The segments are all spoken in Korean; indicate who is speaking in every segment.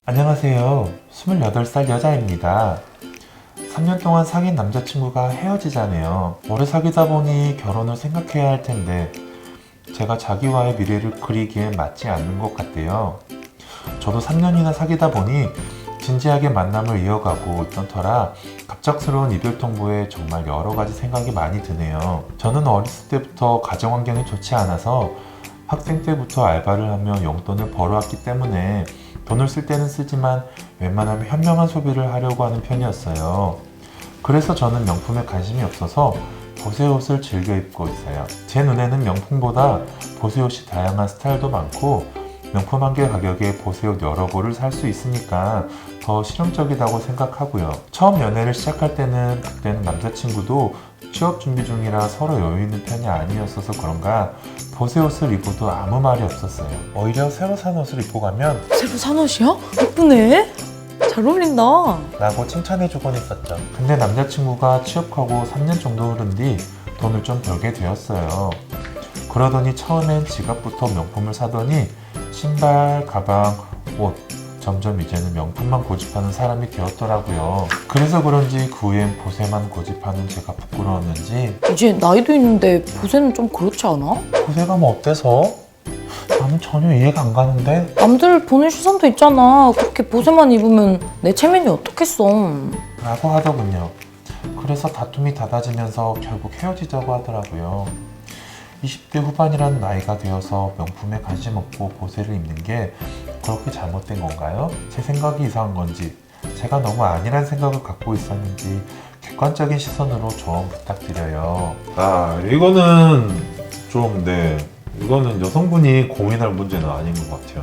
Speaker 1: 안녕하세요. 28살 여자입니다. 3년 동안 사귄 남자친구가 헤어지자네요. 오래 사귀다 보니 결혼을 생각해야 할 텐데 제가 자기와의 미래를 그리기엔 맞지 않는 것 같대요. 저도 3년이나 사귀다 보니 진지하게 만남을 이어가고 있던 터라 갑작스러운 이별 통보에 정말 여러 가지 생각이 많이 드네요. 저는 어렸을 때부터 가정 환경이 좋지 않아서 학생 때부터 알바를 하며 용돈을 벌어왔기 때문에 돈을 쓸 때는 쓰지만 웬만하면 현명한 소비를 하려고 하는 편이었어요. 그래서 저는 명품에 관심이 없어서 보세 옷을 즐겨 입고 있어요. 제 눈에는 명품보다 보세 옷이 다양한 스타일도 많고 명품 한 개 가격에 보세 옷 여러 벌을 살 수 있으니까 더 실용적이라고 생각하고요. 처음 연애를 시작할 때는 그때는 남자친구도 취업 준비 중이라 서로 여유 있는 편이 아니었어서 그런가 보세 옷을 입어도 아무 말이 없었어요. 오히려 새로 산 옷을 입고 가면
Speaker 2: 새로 산 옷이야? 예쁘네. 잘 어울린다.
Speaker 1: 라고 칭찬해주곤 했었죠. 근데 남자친구가 취업하고 3년 정도 흐른 뒤 돈을 좀 벌게 되었어요. 그러더니 처음엔 지갑부터 명품을 사더니 신발, 가방, 옷 점점 이제는 명품만 고집하는 사람이 되었더라고요. 그래서 그런지 그 후엔 보세만 고집하는 제가 부끄러웠는지
Speaker 2: 이제 나이도 있는데 보세는 좀 그렇지 않아?
Speaker 1: 보세가 뭐 어때서? 나는 전혀 이해가 안 가는데?
Speaker 2: 남들 보는 시선도 있잖아. 그렇게 보세만 입으면 내 체면이 어떻겠어.
Speaker 1: 라고 하더군요. 그래서 다툼이 잦아지면서 결국 헤어지자고 하더라고요. 20대 후반이라는 나이가 되어서 명품에 관심 없고 보세를 입는 게 그렇게 잘못된 건가요? 제 생각이 이상한 건지 제가 너무 아니란 생각을 갖고 있었는지 객관적인 시선으로 조언 부탁드려요. 이거는 좀 이거는 여성분이 고민할 문제는 아닌 것 같아요.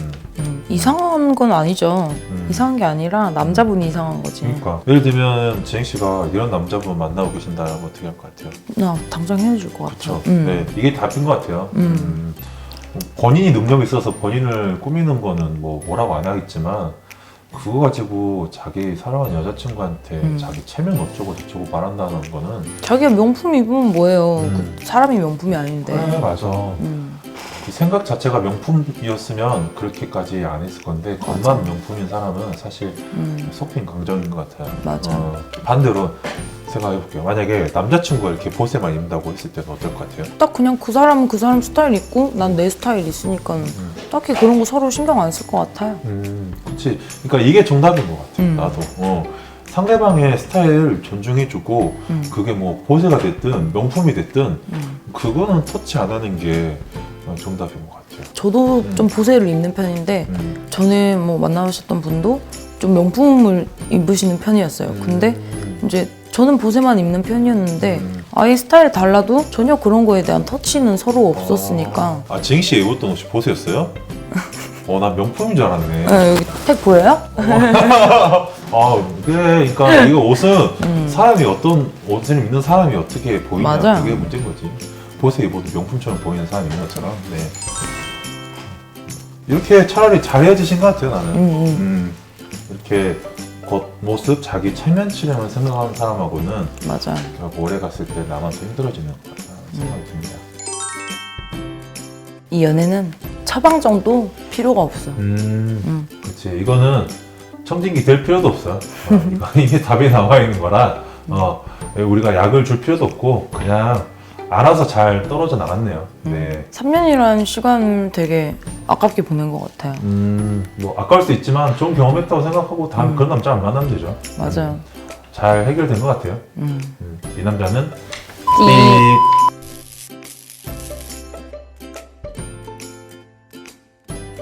Speaker 2: 이상한 건 아니죠. 이상한 게 아니라 남자분이 이상한 거지.
Speaker 1: 그러니까 예를 들면 지행 씨가 이런 남자분 만나고 계신다면 어떻게 할 것 같아요?
Speaker 2: 나 당장 헤어질 것 같아.
Speaker 1: 그렇죠. 네, 이게 답인 것 같아요. 본인이 능력이 있어서 본인을 꾸미는 거는 뭐라고 안 하겠지만 그거 가지고 자기 사랑하는 여자친구한테 자기 체면 어쩌고 저쩌고 말한다는 거는
Speaker 2: 자기가 명품 입으면 뭐예요. 그 사람이 명품이 아닌데.
Speaker 1: 그래 맞아. 이 생각 자체가 명품이었으면 그렇게까지 안 했을 건데 겉만 명품인 사람은 사실 속빈 강정인 것 같아요.
Speaker 2: 맞아.
Speaker 1: 반대로 생각해볼게요. 만약에 남자친구가 이렇게 보세만 입는다고 했을 때는 어떨 것 같아요?
Speaker 2: 딱 그냥 그 사람은 그 사람 스타일 있고 난 내 스타일 있으니까 딱히 그런 거 서로 신경 안 쓸 것 같아요.
Speaker 1: 그렇지. 그러니까 이게 정답인 것 같아요. 나도. 상대방의 스타일을 존중해주고 그게 뭐 보세가 됐든 명품이 됐든 그거는 터치 안 하는 게 정답인 것 같아요.
Speaker 2: 저도 좀 보세를 입는 편인데 전에 뭐 만나셨던 분도 좀 명품을 입으시는 편이었어요. 근데 이제 저는 보세만 입는 편이었는데 아예 스타일이 달라도 전혀 그런 거에 대한 터치는 서로 없었으니까.
Speaker 1: 지행 씨 입었던 옷이 보세였어요? 난 명품인 줄 알았네.
Speaker 2: 네, 여기 택 보여요?
Speaker 1: 그래. 그러니까 이거 옷은 사람이 어떤 옷을 입는 사람이 어떻게 보이냐
Speaker 2: 맞아요.
Speaker 1: 그게 문제인 거지. 보세 입어도 명품처럼 보이는 사람이 있는 것처럼. 네. 이렇게 차라리 잘 헤어지신 것 같아요, 나는. 이렇게 겉모습, 자기 체면 치량을 생각하는 사람하고는
Speaker 2: 맞아.
Speaker 1: 결국 오래 갔을 때 나만 더 힘들어지는 것 같다는 생각이 듭니다.
Speaker 2: 이 연애는 처방정도 필요가 없어.
Speaker 1: 그렇지. 이거는 청진기 될 필요도 없어. 이게 답이 나와 있는 거라 우리가 약을 줄 필요도 없고 그냥 알아서 잘 떨어져 나갔네요. 네.
Speaker 2: 3년이라는 시간을 되게 아깝게 보낸 것 같아요.
Speaker 1: 뭐 아까울 수 있지만 좋은 경험했다고 생각하고 다음 그런 남자 안 만나면 되죠.
Speaker 2: 맞아요.
Speaker 1: 잘 해결된 것 같아요. 이 남자는
Speaker 2: 띠.